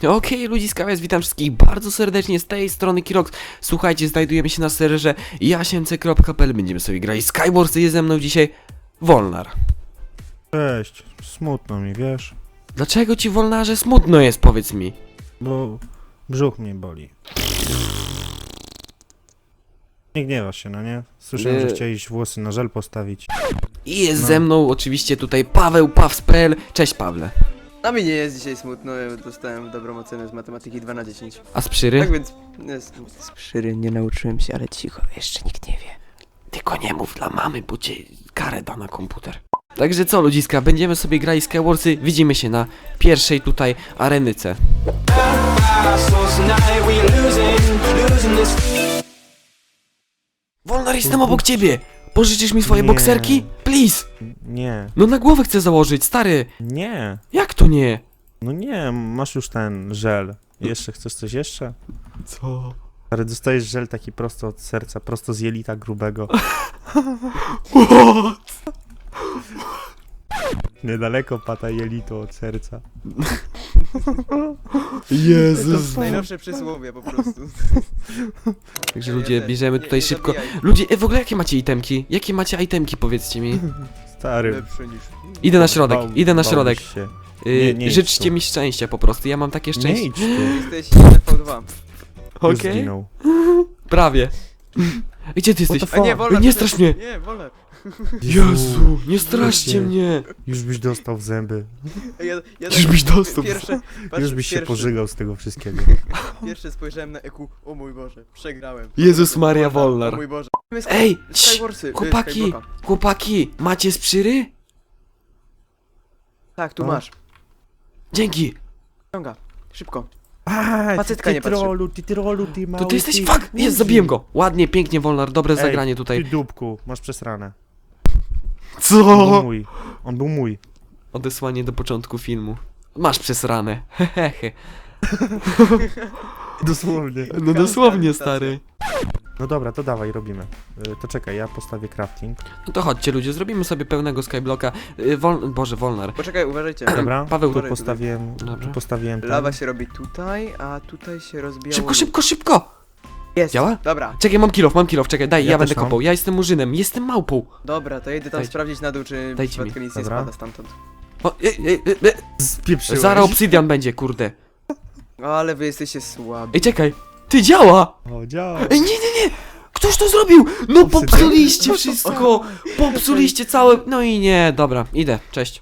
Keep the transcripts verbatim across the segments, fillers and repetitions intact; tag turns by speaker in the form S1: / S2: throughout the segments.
S1: Okej, ludziska, więc witam wszystkich bardzo serdecznie z tej strony Kirox. Słuchajcie, znajdujemy się na serwerze jasience kropka pe el. Będziemy sobie grali Skywars, jest ze mną dzisiaj Wolnar.
S2: Cześć, smutno mi, wiesz?
S1: Dlaczego ci, Wolnarze, smutno jest, powiedz mi?
S2: Bo brzuch mnie boli. Nie gniewasz się, no nie? Słyszałem,
S1: Nie.
S2: że chciałeś włosy na żel postawić.
S1: I jest
S2: No.
S1: ze mną oczywiście tutaj Paweł Paws kropka pe el. Cześć, Pawle.
S3: A mi nie jest dzisiaj smutno, ja dostałem dobrą ocenę z matematyki dwa na dziesięć.
S1: A z Przyry?
S3: Tak więc jest, z przyry nie nauczyłem się, ale cicho, jeszcze nikt nie wie.
S1: Tylko nie mów dla mamy, bo cię karę da na komputer. Także co, ludziska, będziemy sobie grali Skywarsy. Widzimy się na pierwszej tutaj arenyce. Wolnar, jestem obok ciebie! Pożyczysz mi swoje
S2: Nie.
S1: bokserki? Please!
S2: Nie,
S1: No na głowę chcę założyć, stary!
S2: nie,
S1: Jak to nie?
S2: no nie, masz już ten żel. Jeszcze chcesz coś jeszcze?
S1: Co?
S2: Ale dostajesz żel taki prosto od serca, prosto z jelita grubego. Niedaleko pata jelito od serca.
S1: Jezus!
S3: Najnowsze przysłowie po prostu.
S1: Także
S3: Nie,
S1: ludzie,
S3: nie,
S1: bierzemy
S3: nie,
S1: tutaj
S3: nie
S1: szybko.
S3: zabijaj.
S1: Ludzie, e, w ogóle jakie macie itemki? Jakie macie itemki, powiedzcie mi?
S2: Stary.
S3: Lepsze niż...
S1: Idę na środek,
S2: bał-
S1: idę na
S2: bałbyś
S1: środek.
S2: się.
S1: Yy,
S2: Nie, nie idź
S1: życzcie
S2: tu.
S1: mi szczęścia po prostu, ja mam takie
S2: Nie
S1: szczęście.
S2: idź tu.
S3: Jesteś jeden v dwa.
S2: Już
S1: Okej,
S2: zginął.
S1: prawie. Gdzie ty
S2: What
S1: jesteś?
S2: the
S3: A nie,
S2: fuck?
S3: wolę.
S1: nie strasz mnie.
S3: Nie, wolę.
S1: Jezu, nie straszcie
S2: Ludzie.
S1: mnie.
S2: Już byś dostał w zęby.
S3: Ja, ja
S1: Już byś dostał.
S3: Pierwsze, patrz,
S2: Już byś się
S3: pierwsze,
S2: pożygał z tego wszystkiego.
S3: Pierwsze spojrzałem na E Q, o mój Boże, przegrałem.
S1: Jezus Maria
S3: Wolnar,
S1: Wolnar.
S3: O mój Boże.
S1: Ej, cii,
S3: Skywarsy, y,
S1: chłopaki,
S3: Skyblocka.
S1: chłopaki, macie z Przyry?
S3: Tak, tu
S2: No.
S3: masz.
S1: Dzięki.
S3: Ściąga, szybko.
S2: A,
S3: Facetka
S2: ty
S3: nie patrzy.
S2: trolu, ty trolu, ty mały,
S1: To ty jesteś,
S2: ty
S1: fuck, jest,
S2: łuzi.
S1: zabiłem go. Ładnie, pięknie, Wolnar, dobre
S2: Ej,
S1: zagranie tutaj.
S2: Ty dupku, masz przesrane. On
S1: Co?
S2: był mój. On był mój.
S1: Odesłanie do początku filmu. Masz przesrane, hehehe.
S2: Dosłownie.
S1: No dosłownie, stary.
S2: No dobra, to dawaj, robimy. Y, To czekaj, ja postawię crafting.
S1: No to chodźcie ludzie, zrobimy sobie pełnego skyblocka. Y, Wol... Boże, Wolnar.
S3: Poczekaj, uważajcie.
S2: Dobra,
S1: Paweł,
S2: tu
S3: tutaj.
S2: postawiłem,
S1: Dobra.
S2: tu postawiłem ten.
S3: Lawa się robi tutaj, a tutaj się rozbija.
S1: Szybko, szybko, szybko!
S3: Jest.
S1: Działa?
S3: Dobra,
S1: Czekaj, mam kilof, mam kilof, czekaj, daj, ja,
S2: Ja
S1: będę
S2: też mam.
S1: kopał. Ja jestem murzynem, jestem małpą.
S3: dobra, to jedę tam
S1: Dajcie.
S3: sprawdzić na dół, czy
S1: Dajcie
S3: przypadkiem nic nie
S2: Dobra.
S3: spada stamtąd.
S1: O, e, e, e, e.
S2: Spieprzyłeś.
S1: Zaraz obsydian będzie, kurde.
S3: O, ale wy jesteście słabi.
S1: Ej, czekaj, ty działa!
S2: O, działa.
S1: Ej, nie, nie, nie! Ktoś to zrobił! No
S2: Obsydian?
S1: popsuliście wszystko! Popsuliście całe... No i nie, dobra, idę, cześć.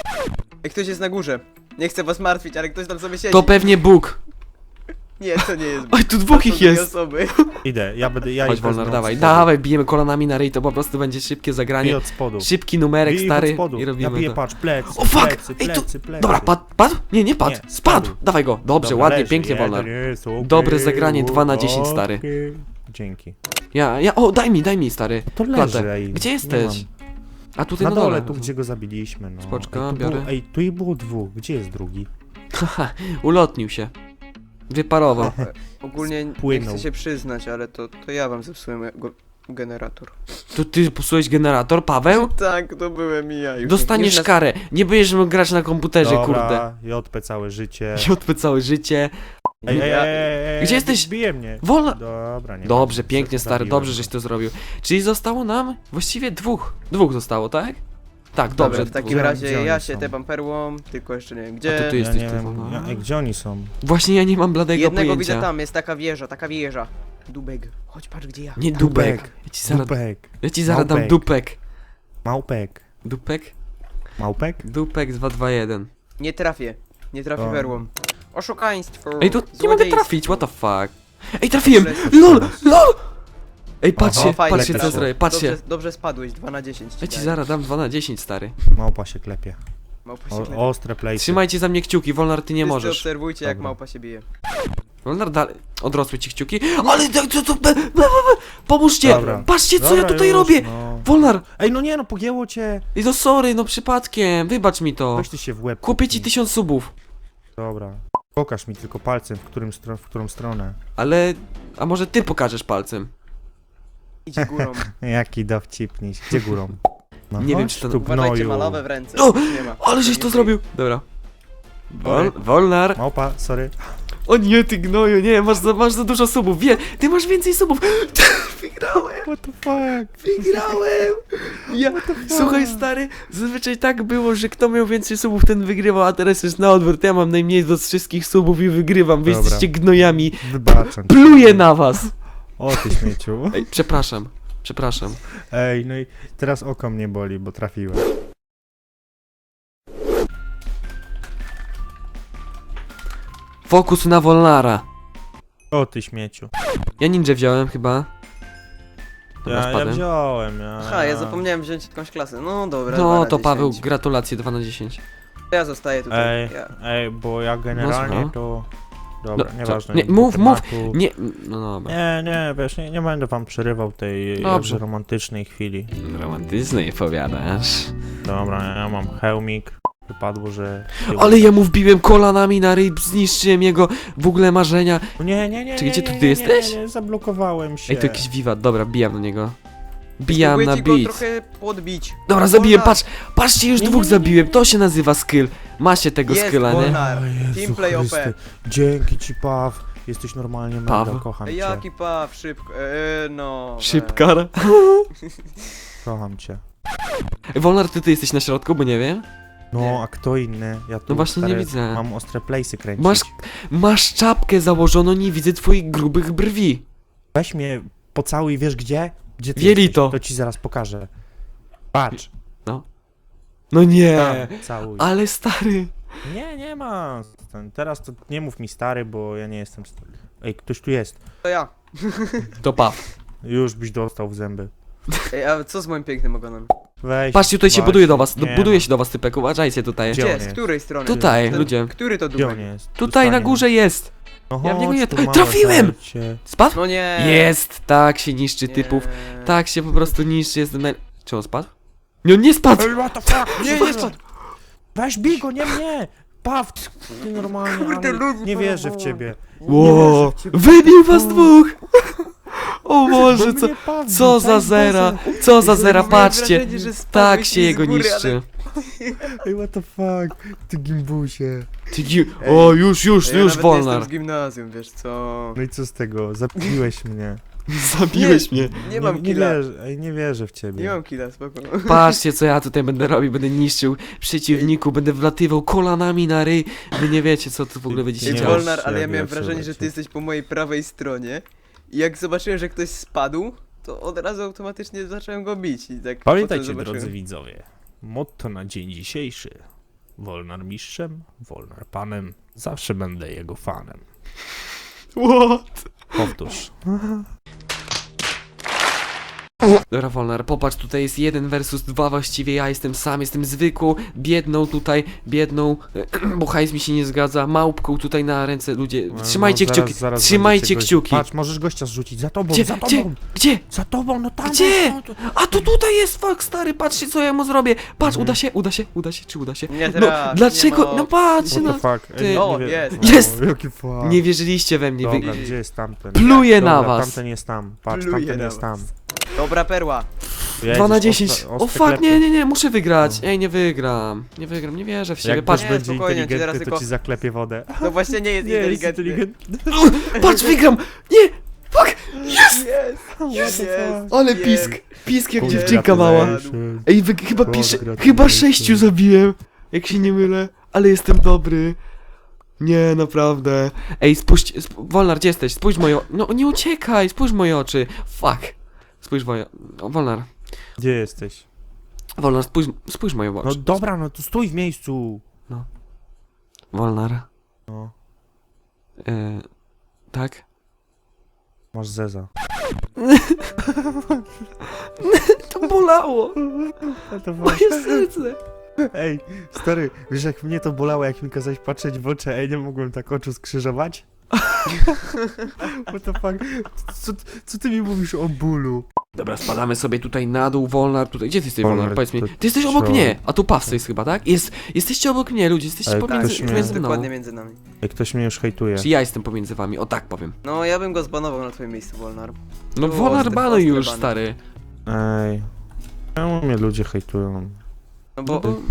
S3: Ej, ktoś jest na górze. Nie chcę was martwić, ale ktoś tam sobie siedzi.
S1: To pewnie Bóg.
S3: Nie, to nie jest.
S1: Oj, tu dwóch
S3: To są
S1: ich
S3: dwie
S1: jest.
S3: osoby.
S2: Idę, ja będę, ja
S1: Chodź,
S2: ich
S1: Wolnar,
S2: wezmę
S1: dawaj,
S2: od spodu.
S1: dawaj, bijemy kolanami na ryj, to po prostu będzie szybkie
S2: I
S1: zagranie.
S2: od spodu.
S1: Szybki numerek,
S2: Bij ich od
S1: stary,
S2: spodu.
S1: i
S2: Ja
S1: robimy
S2: biję,
S1: to.
S2: patrz, plecy,
S1: O, fuck!
S2: plecy,
S1: Ej, tu-
S2: plecy, plecy.
S1: Dobra, padł, padł? Nie, nie padł,
S2: Nie,
S1: spadł.
S2: spadł.
S1: Dawaj go, dobrze,
S2: Dobra,
S1: ładnie,
S2: leży.
S1: pięknie,
S2: Jeden
S1: Wolnar.
S2: jest, okej,
S1: Dobre zagranie, dwa na dziesięć, stary.
S2: okej. Dzięki.
S1: Ja, ja, o, daj mi, daj mi, stary.
S2: To
S1: Klatę.
S2: leży, ej.
S1: Gdzie
S2: nie
S1: jesteś?
S2: mam.
S1: A tutaj
S2: Na
S1: na,
S2: dole, tu gdzie go zabiliśmy, no.
S1: Spoczko,
S2: ej, tu
S1: biorę.
S2: Było, ej, tu ich było dwóch, gdzie jest drugi?
S1: Haha, ulotnił się. Wyparował.
S3: Ogólnie nie
S2: Spłynął.
S3: chcę się przyznać, ale to, to ja wam zepsułem go generator.
S1: To ty psułeś generator, Paweł?
S3: Tak, to byłem i ja już.
S1: Dostaniesz
S3: już na-
S1: karę. Nie będziesz mógł grać na komputerze, kurde.
S2: Dobra, J P całe życie.
S1: J P całe życie.
S2: Ej, ej,
S3: Ja-
S2: ej, ej,
S1: Gdzie jesteś?
S2: Bije mnie.
S1: Wolna.
S2: Dobra, nie
S1: Dobrze,
S2: ma.
S1: pięknie, stary,
S2: Zabiłem
S1: dobrze,
S2: go.
S1: żeś to zrobił. Czyli zostało nam właściwie dwóch. Dwóch zostało, tak? Tak,
S3: Dobra,
S1: dobrze.
S3: w takim
S1: dwóch.
S3: razie
S2: Gdzie oni
S3: ja się
S2: są?
S3: tepam perłą, tylko jeszcze nie wiem gdzie.
S1: A to ty
S2: Ja
S1: jesteś
S2: nie
S1: tu,
S2: wiem,
S1: no.
S2: ja, ej, gdzie oni są?
S1: Właśnie ja nie mam bladego
S3: Jednego
S1: pojęcia.
S3: widzę tam, jest taka wieża, taka wieża. Dubek. Chodź, patrz gdzie ja.
S1: Nie dupek.
S2: Dupek.
S1: Ja ci zaraz,
S2: Dupek.
S1: ja ci zaraz dam
S2: Małpek.
S1: dupek.
S2: Małpek.
S1: Dupek?
S2: Małpek?
S1: Dupek dwa dwa jeden.
S3: Nie trafię. Nie trafię
S2: O.
S3: perłą. Oszukaństwo.
S1: Ej, tu nie mogę
S3: złodziejstwo.
S1: trafić, what the fuck? Ej, trafiłem!
S3: Dobrze.
S1: LOL! LOL! Ej, patrzcie,
S3: O, fajnie
S1: patrzcie co
S3: trafił.
S1: zrobię, patrzcie.
S3: Dobrze, dobrze spadłeś, dwa na dziesięć.
S1: Ja ci zaraz dam dwa na dziesięć, stary.
S2: Małpa się klepie.
S3: Małpa się
S2: O,
S3: klepi.
S2: ostre plejsy.
S1: Trzymajcie za mnie kciuki, Wolnar, ty nie
S3: Wszyscy
S1: możesz.
S3: obserwujcie jak
S2: Dobra.
S3: małpa się bije.
S1: Wolnar, dalej. Odrosły ci kciuki. Ale to, to, to, be- be- be- pomóżcie!
S2: Dobra.
S1: Patrzcie, co ja
S2: Dobra,
S1: tutaj
S2: już,
S1: robię!
S2: No.
S1: Wolnar!
S2: Ej, no nie no, pogięło cię.
S1: I to sorry, no przypadkiem, wybacz mi to.
S2: Weź ty się w łeb.
S1: Kupię ci
S2: kopnij.
S1: tysiąc subów.
S2: Dobra. Pokaż mi tylko palcem, w, którym stro- w którą stronę.
S1: Ale... A może ty pokażesz palcem?
S3: Idzie górą.
S2: Jaki dowcipniś. Gdzie górą? No
S1: Nie wiem,
S2: chodź
S1: czy to-
S2: tu,
S3: Uważajcie,
S2: gnoju.
S3: ma lawę w ręce.
S1: O!
S3: Nie ma.
S1: Ale żeś
S3: Nie
S1: to
S3: ma.
S1: zrobił! Dobra. Wol, Wolnar.
S2: Małpa, sorry.
S1: O nie, ty gnoju, nie, masz za, masz za dużo subów, wie, ty masz więcej subów. Wygrałem,
S2: What the fuck?
S1: wygrałem. Ja, słuchaj stary, zazwyczaj tak było, że kto miał więcej subów, ten wygrywał, a teraz jest na odwrót, ja mam najmniej z wszystkich subów i wygrywam, wy
S2: Dobra.
S1: jesteście gnojami.
S2: Wybaczam.
S1: Pluję na was.
S2: O ty śmieciu.
S1: Ej, przepraszam, przepraszam.
S2: Ej, no i teraz oko mnie boli, bo trafiłem.
S1: Fokus na Wolnara.
S2: O ty śmieciu.
S1: Ja ninja wziąłem chyba. Dobra,
S2: Ja, ja
S1: spadłem.
S2: wziąłem, ja...
S3: Aha, ja zapomniałem wziąć jakąś klasę. No dobra,
S1: No
S3: dwa na
S1: to Paweł,
S3: dziesięć.
S1: gratulacje, dwa na dziesięć.
S3: Ja zostaję tutaj.
S2: Ej,
S3: Ja.
S2: ej, bo ja generalnie
S1: słucham.
S2: to... Dobra,
S1: No,
S2: nieważne.
S1: co? Nie,
S2: do
S1: mów, mów.
S2: tematu.
S1: Nie, no dobra.
S2: Nie, nie, wiesz, nie, nie będę wam przerywał tej
S1: Dobrze.
S2: jakże romantycznej chwili.
S1: Romantycznej powiadasz.
S2: Dobra, ja mam hełmik. Wypadło, że...
S1: Ale ja mu wbiłem kolanami na ryb, zniszczyłem jego w ogóle marzenia.
S2: Nie, nie, nie,
S1: Czy
S2: nie,
S1: gdzie
S2: nie,
S1: tu
S2: nie,
S1: ty
S2: nie,
S1: jesteś?
S2: Nie, nie, zablokowałem się.
S1: Ej, to jakiś wiwat, dobra, bijam na niego. Bijam na
S3: Spróbujcie go
S1: beat.
S3: trochę podbić.
S1: Dobra, zabiłem,
S3: Wolnar.
S1: patrz, patrzcie, już
S2: Nie,
S1: dwóch
S2: nie, nie,
S1: zabiłem,
S2: nie.
S1: to się nazywa skill. Macie tego
S3: Jest,
S1: skilla, nie?
S3: Wolnar.
S2: O Jezu
S3: Teamplay O P.
S2: Chryste. Dzięki ci, Paw. Jesteś normalnie mega,
S1: Paw?
S2: kocham
S3: Ej,
S2: cię.
S3: jaki paw, szybko. Eee, no. we.
S1: Szybkar.
S2: Kocham cię.
S1: Ej, Wolnar, ty, ty jesteś na środku, bo nie wiem.
S2: No, a kto inny? Ja tu,
S1: No właśnie nie
S2: stary,
S1: widzę.
S2: Mam ostre place'y kręcić.
S1: Masz, masz czapkę założoną, nie widzę twoich grubych brwi.
S2: Weź mnie pocałuj, wiesz gdzie? Gdzie ty
S1: Jelito.
S2: jesteś? To ci zaraz pokażę. Patrz.
S1: No nie,
S2: Tam, całuj.
S1: ale stary.
S2: Nie, nie ma. Ten- Teraz to nie mów mi stary, bo ja nie jestem stary. Ej, ktoś tu jest.
S3: To ja.
S1: To paw.
S2: Już byś dostał w zęby.
S3: Ej, a co z moim pięknym ogonem?
S2: Weź.
S1: Patrzcie, tutaj się
S2: właśnie.
S1: buduje do was, do,
S2: Nie
S1: buduje
S2: ma.
S1: się do was typek, uważajcie tutaj.
S2: Gdzie
S3: Gdzie?
S2: on
S3: Z
S2: jest?
S3: której strony?
S1: Tutaj,
S3: Ten-
S1: ludzie.
S3: Który to
S2: Gdzie on
S3: dupek?
S2: jest?
S1: Tutaj na
S2: Dostanie.
S1: górze jest.
S2: No
S1: Ja w niego
S2: chodź
S1: nie-
S2: tu,
S1: Ej,
S2: małe
S1: trafiłem!
S2: serce.
S1: Spadł?
S3: No nie.
S1: Jest, tak się niszczy
S3: Nie.
S1: typów. Tak się po prostu niszczy, jestem naj... Czy on spadł? Nie, on nie spadł!
S2: Ej, what the fuck?
S3: Nie, nie spadł.
S2: Weź bij go, nie mnie! Paw, ty normalnie,
S3: Kurde,
S2: ale
S3: ludzi
S2: nie wierzę w
S3: porowało.
S2: ciebie.
S1: Ło,
S2: wierzę w ciebie.
S1: wybił was dwóch! O
S2: Bo
S1: Boże, co,
S2: mnie Paw
S1: co
S2: bił,
S1: za
S2: cały
S1: zera,
S2: basen.
S1: co za zera,
S3: Miałem
S1: patrzcie.
S3: wrażenie, że spadłeś
S1: Tak
S3: mi
S1: się
S3: z
S1: jego
S3: góry,
S1: niszczy.
S2: Ej, what the fuck? Ty gimbusie.
S1: Ty gi- O, już, już,
S3: Ale... Ja
S1: już,
S3: nawet nie jestem
S1: Wolnar.
S3: z gimnazjum, wiesz co?
S2: No i co z tego? Zabiłeś mnie.
S1: Zabiłeś mnie.
S3: Nie mam
S2: nie,
S3: killa.
S2: wierzę, ej, nie wierzę w ciebie.
S3: Nie mam killa, spoko.
S1: Patrzcie, co ja tutaj będę robił, będę niszczył przeciwników, będę wlatywał kolanami na ryj. Wy nie wiecie, co tu w ogóle będziecie
S3: Ej,
S2: Nie
S1: działać.
S3: Wolnar, ale ja
S2: jak
S3: miałem
S2: ja
S3: wrażenie, że ty
S2: przeleciał.
S3: jesteś po mojej prawej stronie. I jak zobaczyłem, że ktoś spadł, to od razu automatycznie zacząłem go bić. I tak potem
S2: Pamiętajcie,
S3: zobaczyłem-
S2: drodzy widzowie, motto na dzień dzisiejszy. Wolnar mistrzem, Wolnar panem, zawsze będę jego fanem.
S1: What?
S2: Powtórz.
S1: Dobra, Wolnar, popatrz, tutaj jest jeden versus dwa właściwie, ja jestem sam, jestem zwykłą, biedną tutaj, biedną, bo hajs mi się nie zgadza, małpką tutaj na ręce, ludzie, trzymajcie
S2: No, zaraz-
S1: kciuki,
S2: zaraz
S1: trzymajcie
S2: będziecie goś-
S1: kciuki.
S2: Patrz, możesz gościa zrzucić, za tobą,
S1: Gdzie,
S2: za
S1: gdzie,
S2: tobą,
S1: gdzie?
S2: za tobą, no tam.
S1: Gdzie?
S2: no to-
S1: A to tutaj jest, fuck, stary, patrzcie, co ja mu zrobię. Patrz,
S2: Mhm.
S1: uda się, uda się, uda się, czy uda się?
S3: Nie
S1: No,
S3: teraz,
S1: dlaczego,
S3: nie ma
S1: no
S3: opcji.
S1: patrzcie,
S2: What
S1: no,
S2: the fuck?
S1: ty-
S2: Ej,
S3: O,
S2: nie wie-
S3: jest.
S2: No,
S1: Jest!
S2: Jaki fuck.
S1: nie wierzyliście we mnie, wy...
S2: Dobra, gdzie jest tamten?
S1: Pluję
S2: Dobra,
S1: na was.
S2: tamten jest tam, patrz,
S3: Pluję
S2: tamten
S3: na
S2: jest tam.
S3: Dobra perła.
S1: dwa na
S2: Jedziesz,
S1: dziesięć.
S2: ostre-
S1: O
S2: ostre
S1: fuck,
S2: klepy.
S1: nie, nie, nie, muszę wygrać.
S2: No.
S1: Ej, nie wygram. Nie wygram, nie wierzę w siebie.
S2: Jak
S1: Patrz,
S2: ktoś
S3: Nie,
S2: będzie
S3: spokojnie, ci
S2: inteligentny,
S3: teraz
S2: to
S3: tylko-
S2: ci zaklepie wodę.
S3: No właśnie nie jest
S2: Nie jest
S3: inteligentny.
S2: inteligentny.
S1: patrz, wygram. Nie, fuck,
S3: Jest!
S2: Jest!
S3: Jest!
S1: ale
S3: Jest.
S1: pisk. Pisk jak
S3: Kurde,
S1: dziewczynka mała.
S2: gratulacje.
S1: Ej, wy, chyba
S2: Boże,
S1: pisze,
S2: gratulacje.
S1: chyba sześciu zabiłem. Jak się nie mylę, ale jestem dobry. Nie, naprawdę. Ej, spójrz, sp Wolnar, gdzie jesteś? Spójrz w moje o- no nie uciekaj, spójrz w moje oczy. Fuck. Spójrz w moje... O, Wolnar.
S2: Gdzie jesteś?
S1: Wolnar, spójrz, spójrz w moje oczy.
S2: No dobra, no to stój w miejscu.
S1: Wolnar.
S2: No,
S1: E, tak?
S2: masz zeza.
S1: To bolało.
S2: To
S1: Moje serce.
S2: Ej, stary, wiesz jak mnie to bolało, jak mi kazałeś patrzeć w oczy, ej, nie mogłem tak oczu skrzyżować? What the fuck? Co, co ty mi mówisz o bólu?
S1: Dobra, spadamy sobie tutaj na dół, Wolnar, tutaj. Gdzie ty jesteś,
S2: Wolnar,
S1: Wolnar? Powiedz mi.
S2: to
S1: Ty jesteś obok
S2: co?
S1: mnie, a tu Paw jest chyba, tak? Jest, jesteście obok mnie, ludzie, jesteście
S2: Ale
S1: pomiędzy,
S2: ktoś mnie-
S1: pomiędzy mną.
S3: Dokładnie między nami.
S2: Jak ktoś mnie już hejtuje.
S1: Czy ja jestem pomiędzy wami, o tak powiem.
S3: No ja bym go zbanował na twoim miejscu, Wolnar.
S1: No
S3: Tu
S1: Wolnar
S3: ostre-
S1: banuj
S3: ostre
S1: już,
S3: bany.
S1: stary.
S2: Ej, czemu mnie ludzie hejtują?
S3: No bo...
S1: No bo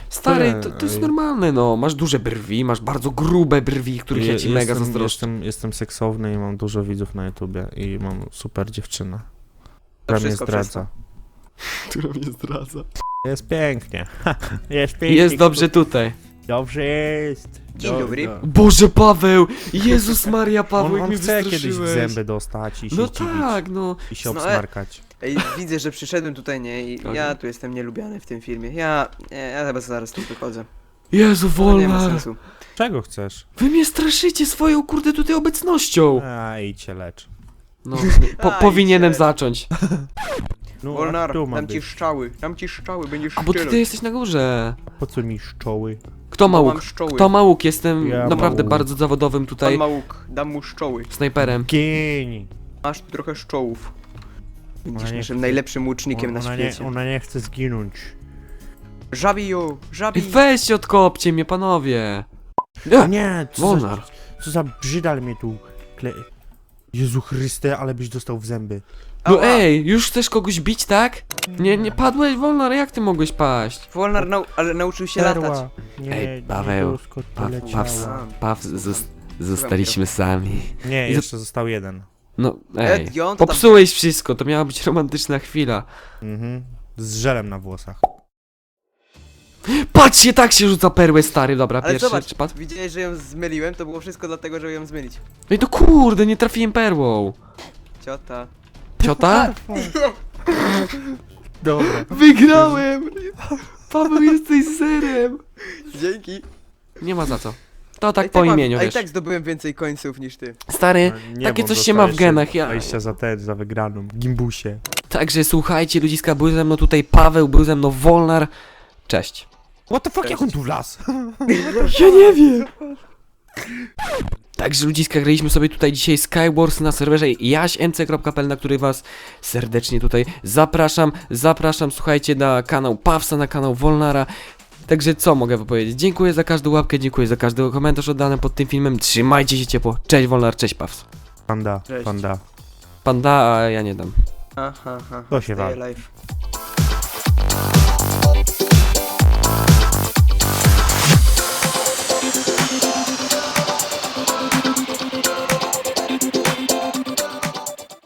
S1: Stary,
S2: Nie,
S1: to, to jest
S2: ej.
S1: normalne, no. Masz duże brwi, masz bardzo grube brwi, których ja ci
S2: Je-
S1: mega
S2: jestem,
S1: zazdroszczę.
S2: jestem, jestem seksowny i mam dużo widzów na YouTubie i mam super dziewczynę.
S3: To
S2: Która mnie
S3: wszystko przez
S2: zdradza.
S1: Która mnie zdradza.
S2: Jest pięknie. Jest pięknie.
S1: Jest dobrze tutaj.
S2: Dobrze jest.
S3: Dzień
S2: Do-
S3: dobry.
S2: do-
S1: Boże, Paweł! Jezus Maria, Paweł,
S2: On,
S1: jak
S2: on
S1: mnie
S2: chce kiedyś w
S1: wystraszyłeś.
S2: zęby dostać i się
S1: No
S2: zdziwić.
S1: tak, no.
S2: I się
S3: No, e-
S2: obsmarkać.
S3: Ej, widzę, że przyszedłem tutaj, nie? I
S1: Tak.
S3: ja tu jestem nielubiany w tym filmie. Ja, ja, ja chyba zaraz tu wychodzę.
S1: Jezu,
S3: To nie ma
S1: Wolnar.
S3: sensu.
S2: Czego chcesz?
S1: Wy mnie straszycie swoją, kurde, tutaj obecnością.
S2: A, idź się lecz.
S1: No, po,
S3: Aj,
S1: powinienem
S3: się.
S1: zacząć.
S2: No,
S3: Wolnar,
S2: a tu ma
S3: dam ci
S2: być.
S3: szczały, dam ci szczały, będziesz
S1: A bo ty,
S3: szczelać.
S1: ty jesteś na górze.
S2: Po co mi szczoły?
S1: Kto ma
S3: Bo
S1: łuk?
S3: mam szczoły.
S1: Kto ma łuk? Jestem
S2: Ja
S1: naprawdę
S2: mam łuk.
S1: bardzo zawodowym
S3: Pan
S1: tutaj
S3: ma łuk, dam mu szczoły.
S1: snajperem.
S2: Gień!
S3: Masz tu trochę szczołów. Będziesz
S2: Ona nie
S3: naszym
S2: chce-
S3: najlepszym łucznikiem na
S2: ona, nie,
S3: świecie.
S2: ona nie chce zginąć.
S3: Żabij ją,
S1: Ej,
S3: żabij!
S1: weźcie, odkopcie mnie, panowie. Nie,
S2: Nie, co za,
S1: Wolnar.
S2: co za brzydal mnie tu kle... Jezu Chryste, ale byś dostał w zęby.
S1: No
S3: Ała.
S1: ej, już chcesz kogoś bić, tak? Nie, nie padłeś, Wolnar, jak ty mogłeś paść?
S3: Wolnar nau ale nauczył się latać.
S2: Perła. Nie,
S1: Ej, Paweł,
S2: nie doskot
S1: Paw,
S2: poleciała.
S1: Paw, Paw, zos- zostaliśmy sami.
S2: Nie,
S1: I za-
S2: jeszcze został jeden.
S1: No, ej,
S3: Ed, i on tam-
S1: popsułeś wszystko, to miała być romantyczna chwila.
S2: Mhm. Z żelem na włosach.
S1: Patrzcie, tak się rzuca perłę, stary, dobra,
S3: Ale
S1: pierwszy
S3: zobacz,
S1: czy padł?
S3: widziałeś, że ją zmyliłem? To było wszystko dlatego, żeby ją zmylić.
S1: Ej, to kurde, nie trafiłem perłą.
S3: Ciota.
S1: Ciota?
S2: Dobra.
S1: Wygrałem! Paweł, jesteś zerem.
S3: Dzięki.
S1: Nie ma za co. To tak
S3: A i
S1: po
S3: mam-
S1: imieniu,
S3: A i
S1: wiesz.
S3: tak zdobyłem więcej końców niż ty.
S1: Stary,
S2: Nie,
S1: takie
S2: bo
S1: coś się ma w
S2: dostałeś
S1: genach, ja...
S2: dwadzieścia za ten, za wygraną. Gimbusie.
S1: Także słuchajcie, ludziska, był ze mną tutaj Paweł, był ze mną Wolnar. Cześć.
S2: What the fuck,
S3: Cześć.
S2: jak on tu wlazł?
S1: Ja nie wiem. Także ludziska, graliśmy sobie tutaj dzisiaj Skywars na serwerze jaś m c kropka p l, na który was serdecznie tutaj zapraszam. Zapraszam, słuchajcie, na kanał Pawsa, na kanał Wolnara. Także co mogę wam powiedzieć? Dziękuję za każdą łapkę, dziękuję za każdy komentarz oddany pod tym filmem. Trzymajcie się ciepło. Cześć Wolnar, cześć Paws.
S2: Panda,
S3: Cześć.
S2: panda.
S1: Panda, a ja nie dam.
S3: Aha, aha.
S2: To się
S3: Stay
S2: wal.
S3: alive.